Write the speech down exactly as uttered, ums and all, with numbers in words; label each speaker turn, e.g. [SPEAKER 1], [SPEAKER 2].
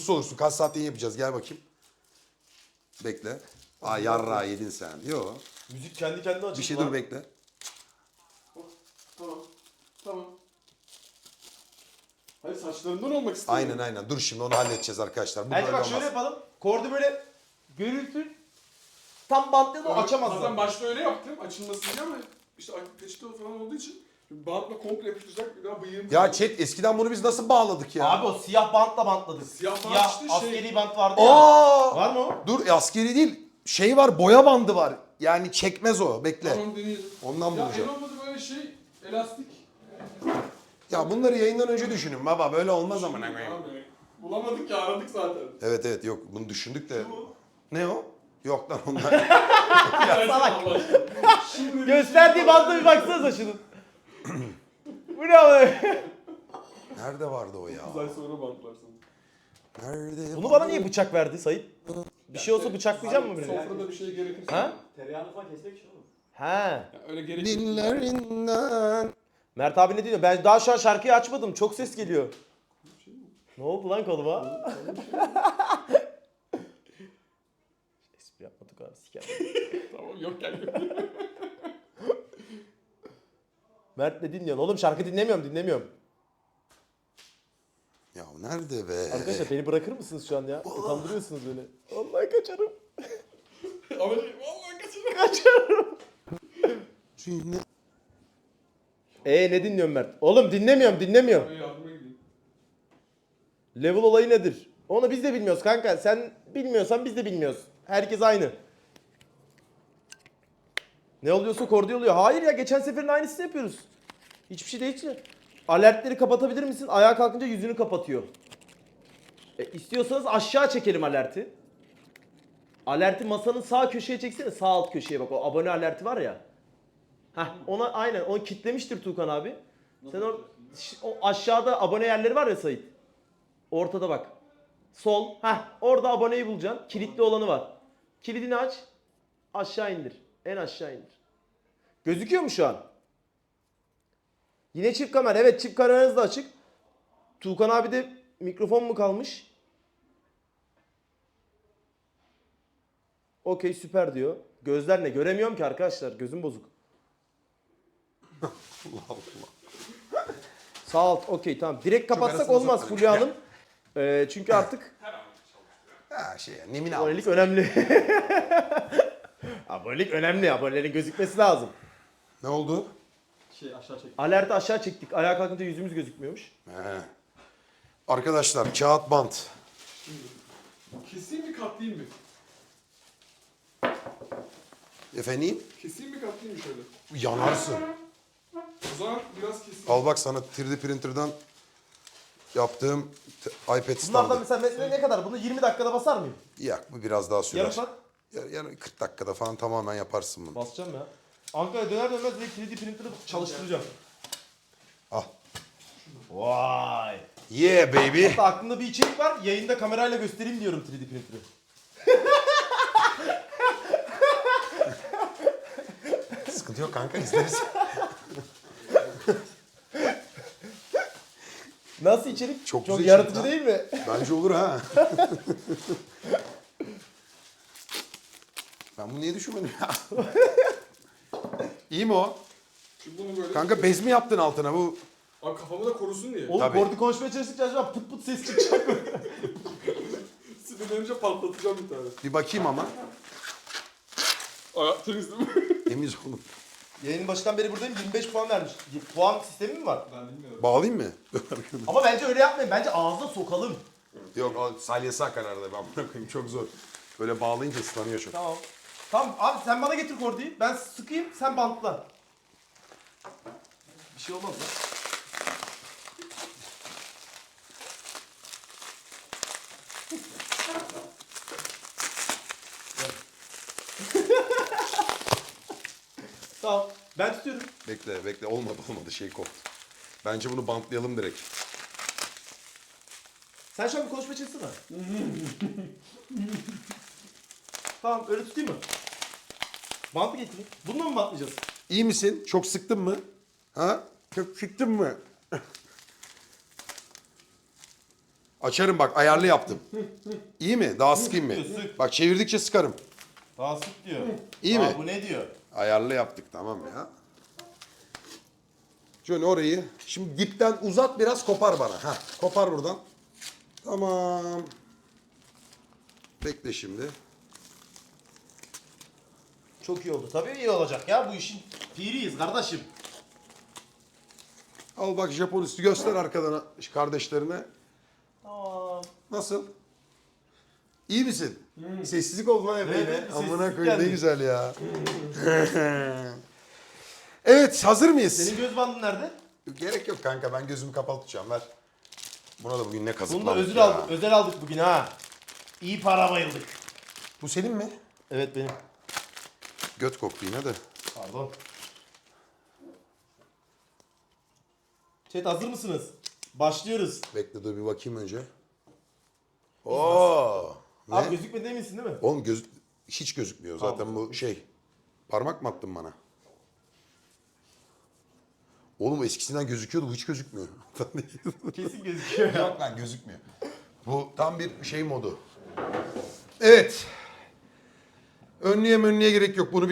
[SPEAKER 1] olursun. Kaç saatte yapacağız? Gel bakayım. Bekle. Aa yarra yedin sen. Yo.
[SPEAKER 2] Müzik kendi kendine açıldı.
[SPEAKER 1] Bir şey
[SPEAKER 2] lan.
[SPEAKER 1] dur bekle.
[SPEAKER 3] Tamam. Tamam. Hayır saçlarından olmak istiyorum.
[SPEAKER 1] Aynen aynen. Dur şimdi onu halledeceğiz arkadaşlar. Bu
[SPEAKER 2] Bence
[SPEAKER 1] böyle
[SPEAKER 2] bak
[SPEAKER 1] olmaz.
[SPEAKER 2] şöyle yapalım. Kordu böyle görüntü tam bantlayalım
[SPEAKER 3] Evet,
[SPEAKER 2] açamazlar.
[SPEAKER 3] Zaten başta öyle yaptım açılmasın diye ama işte peçete falan olduğu için bantla komple yapıştıracak bir daha bıyığım.
[SPEAKER 1] Ya chat eskiden bunu biz nasıl bağladık ya?
[SPEAKER 2] Abi o siyah bantla bantladık.
[SPEAKER 3] Siyah bant işte şey-
[SPEAKER 2] askeri bant vardı ya.
[SPEAKER 1] Aa!
[SPEAKER 2] Var mı o?
[SPEAKER 1] Dur askeri değil. Şey var boya bandı var. Yani çekmez o. Bekle.
[SPEAKER 3] Tamam deneyelim.
[SPEAKER 1] Ondan
[SPEAKER 3] Ya
[SPEAKER 1] bulacağım.
[SPEAKER 3] en olmadı böyle şey elastik.
[SPEAKER 1] Ya bunları yayından önce düşünün baba. Böyle olmaz ama.
[SPEAKER 3] Abi, bulamadık ya aradık zaten.
[SPEAKER 1] Evet evet yok bunu düşündük de. Ne o? Yok lan onlar.
[SPEAKER 3] Ya
[SPEAKER 2] salak.
[SPEAKER 3] Şimdi
[SPEAKER 2] Gösterdiği bantla bir baksanıza şunun. Bu ne abi?
[SPEAKER 1] Nerede vardı o ya?
[SPEAKER 3] dokuz ay sonra bantlarsın.
[SPEAKER 1] Nerede?
[SPEAKER 2] Bunu bana niye bıçak verdi Sayın? Bir şey olsa bıçaklayacak mı beni?
[SPEAKER 3] Sofrada bir şey gerekirse.
[SPEAKER 2] Ha?
[SPEAKER 4] Tereyağını falan kesmek için oğlum.
[SPEAKER 2] He.
[SPEAKER 3] Ya öyle gerekirse.
[SPEAKER 1] Dillerinden.
[SPEAKER 2] Mert abi ne diyor? Ben daha şu an şarkıyı açmadım. Çok ses geliyor. Ne oldu lan koluma? Espri yapmadık abi siker.
[SPEAKER 3] Tamam yok yani.
[SPEAKER 2] Mert ne dinliyorsun? Oğlum şarkı dinlemiyorum dinlemiyorum.
[SPEAKER 1] Ya nerede be?
[SPEAKER 2] Arkadaşlar beni bırakır mısınız şu an ya? Utandırıyorsunuz beni. Vallahi kaçarım.
[SPEAKER 3] Ama vallahi kaçırdım.
[SPEAKER 2] Kaçarım.
[SPEAKER 1] Şimdi-
[SPEAKER 2] Ee ne dinliyorsun Mert? Oğlum dinlemiyorum dinlemiyorum.
[SPEAKER 3] Ben yardıma gideyim.
[SPEAKER 2] Level olayı nedir? Onu biz de bilmiyoruz kanka. Sen bilmiyorsan biz de bilmiyoruz. Herkes aynı. Ne oluyorsa kordi oluyor. Hayır ya geçen seferin aynısını yapıyoruz. Hiçbir şey değişmiyor. Alertleri kapatabilir misin? Ayağa kalkınca yüzünü kapatıyor. E, istiyorsanız aşağı çekelim alerti. Alerti masanın sağ köşeye çeksene. Sağ alt köşeye bak o abone alerti var ya. Heh ona aynen onu kitlemiştir Tuğkan abi. Sen or o aşağıda abone yerleri var ya Sait. Ortada bak. Sol. Heh orada aboneyi bulacaksın. Kilitli olanı var. Kilidini aç. Aşağı indir. En aşağı indir. Gözüküyor mu şu an? Yine çift kamera. Evet çift kameranız da açık. Tuğkan abi de mikrofon mu kalmış? Okey süper diyor. Gözler ne? Göremiyorum ki arkadaşlar. Gözüm bozuk.
[SPEAKER 1] Allah Allah.
[SPEAKER 2] Sağ alt okey tamam. Direkt kapatsak
[SPEAKER 1] arasına
[SPEAKER 2] olmaz
[SPEAKER 1] sokmadım.
[SPEAKER 2] Fulya Hanım. Ee, çünkü artık
[SPEAKER 1] Ha şey ya Nemin abi.
[SPEAKER 2] abonelik önemli. Abonelik önemli. Abonelerin gözükmesi lazım.
[SPEAKER 1] Ne oldu?
[SPEAKER 4] Şey aşağı çek.
[SPEAKER 2] Alerti aşağı çektik. Ayağa kalkınca yüzümüz gözükmüyormuş.
[SPEAKER 1] He. Arkadaşlar kağıt bant.
[SPEAKER 3] Keseyim mi katlayayım mı?
[SPEAKER 1] Efendim?
[SPEAKER 3] Keseyim mi katlayayım mı şöyle?
[SPEAKER 1] Yanarsın.
[SPEAKER 3] O zaman biraz keseyim.
[SPEAKER 1] Al bak sana üç D printer'dan yaptığım t- iPad
[SPEAKER 2] Bunlardan
[SPEAKER 1] standı.
[SPEAKER 2] mesela ne, ne kadar? Bunu yirmi dakikada basar mıyım?
[SPEAKER 1] Yak bu biraz daha sürer.
[SPEAKER 2] Yarım saat?
[SPEAKER 1] Ya- Yani kırk dakikada falan tamamen yaparsın bunu.
[SPEAKER 2] Basacağım ya. Ankara'ya döner dönmez direkt üç D printer'ı çalıştıracağım.
[SPEAKER 1] Al.
[SPEAKER 2] Vay.
[SPEAKER 1] Yeah baby.
[SPEAKER 2] Hatta aklımda bir içerik var. Yayında kamerayla göstereyim diyorum üç D printer'ı.
[SPEAKER 1] Sıkıntı yok kanka izleriz.
[SPEAKER 2] Nasıl içerik?
[SPEAKER 1] Çok
[SPEAKER 2] Çok
[SPEAKER 1] güzel
[SPEAKER 2] yaratıcı
[SPEAKER 1] içerik
[SPEAKER 2] değil mi?
[SPEAKER 1] Bence olur ha. Ben bunu niye düşünmedim ya? İyi mi o?
[SPEAKER 3] Şimdi bunu böyle...
[SPEAKER 1] Kanka bez mi yaptın altına bu?
[SPEAKER 3] Abi kafamı da korusun diye.
[SPEAKER 2] Oğlum
[SPEAKER 1] Tabii.
[SPEAKER 2] kordi konuşmaya çalıştıkça acaba pıt pıt ses çıkacak mı?
[SPEAKER 3] Sinirlenince patlatacağım bir tane.
[SPEAKER 1] Bir bakayım ama.
[SPEAKER 3] Aa, temiz değil mi?
[SPEAKER 1] Temiz oğlum.
[SPEAKER 2] Yayının başından beri buradayım yirmi beş puan vermiş. Puan sistemi mi var?
[SPEAKER 3] Ben bilmiyorum.
[SPEAKER 1] Bağlayayım mı?
[SPEAKER 2] Ama bence öyle yapmayın. Bence ağzına sokalım.
[SPEAKER 1] Yok o salyası akar arada ben buna koyayım çok zor. Böyle bağlayınca ıslanıyor çok.
[SPEAKER 2] Tamam. Tamam abi sen bana getir kordiyi. Ben sıkayım sen bantla. Bir şey olmaz lan. Tamam. Ben tutuyorum.
[SPEAKER 1] Bekle bekle olmadı olmadı şey koptu. Bence bunu bantlayalım direkt.
[SPEAKER 2] Sen şu an bir konuşma çalışsana. Tamam öyle tutayım mı? Bantı getireyim. Bununla mı bantlayacağız?
[SPEAKER 1] İyi misin? Çok sıktın mı? Ha? Çok sıktın mı? Açarım bak, ayarlı yaptım. İyi mi? Daha sıkayım mı?
[SPEAKER 5] Sık.
[SPEAKER 1] Bak çevirdikçe sıkarım.
[SPEAKER 5] Daha sık diyor.
[SPEAKER 1] İyi
[SPEAKER 5] Aa,
[SPEAKER 1] mi?
[SPEAKER 5] bu ne diyor?
[SPEAKER 1] Ayarlı yaptık, tamam ya. Şöyle orayı. Şimdi dipten uzat biraz, kopar bana. Heh, kopar buradan. Tamam. Bekle şimdi.
[SPEAKER 5] Çok iyi oldu. Tabii iyi olacak ya. Bu işin piriyiz kardeşim.
[SPEAKER 1] Al bak Japon üstü, göster arkadan kardeşlerine.
[SPEAKER 5] Tamam.
[SPEAKER 1] Nasıl? İyi misin? Sessizlik oldu lan epey
[SPEAKER 5] Evet,
[SPEAKER 1] yine.
[SPEAKER 5] evet,
[SPEAKER 1] Amına
[SPEAKER 5] sessizlik
[SPEAKER 1] koyayım ne
[SPEAKER 5] geldi.
[SPEAKER 1] güzel ya. Evet, hazır mıyız?
[SPEAKER 5] Senin göz bandın nerede?
[SPEAKER 1] Gerek yok kanka, ben gözümü kapalı tutacağım, ver. Buna da bugün ne
[SPEAKER 5] Bunu da
[SPEAKER 1] kazıkladık
[SPEAKER 5] özel
[SPEAKER 1] ya.
[SPEAKER 5] aldık, özel aldık bugün ha. İyi para bayıldık.
[SPEAKER 1] Bu senin mi?
[SPEAKER 5] Evet benim.
[SPEAKER 1] Göt koktu yine de.
[SPEAKER 5] Pardon. Chat hazır mısınız? Başlıyoruz.
[SPEAKER 1] Bekle dur bir bakayım önce. Oo. Ne?
[SPEAKER 5] Abi gözükmedi eminsin değil mi?
[SPEAKER 1] Oğlum göz hiç gözükmüyor zaten
[SPEAKER 5] Tamam.
[SPEAKER 1] bu şey. Parmak mı attın bana? Oğlum eskisinden gözüküyordu, bu hiç gözükmüyor.
[SPEAKER 5] Kesin gözüküyor.
[SPEAKER 1] Yok lan, gözükmüyor. Bu tam bir şey modu. Evet. Önlüğe önlüğe gerek yok. Bunu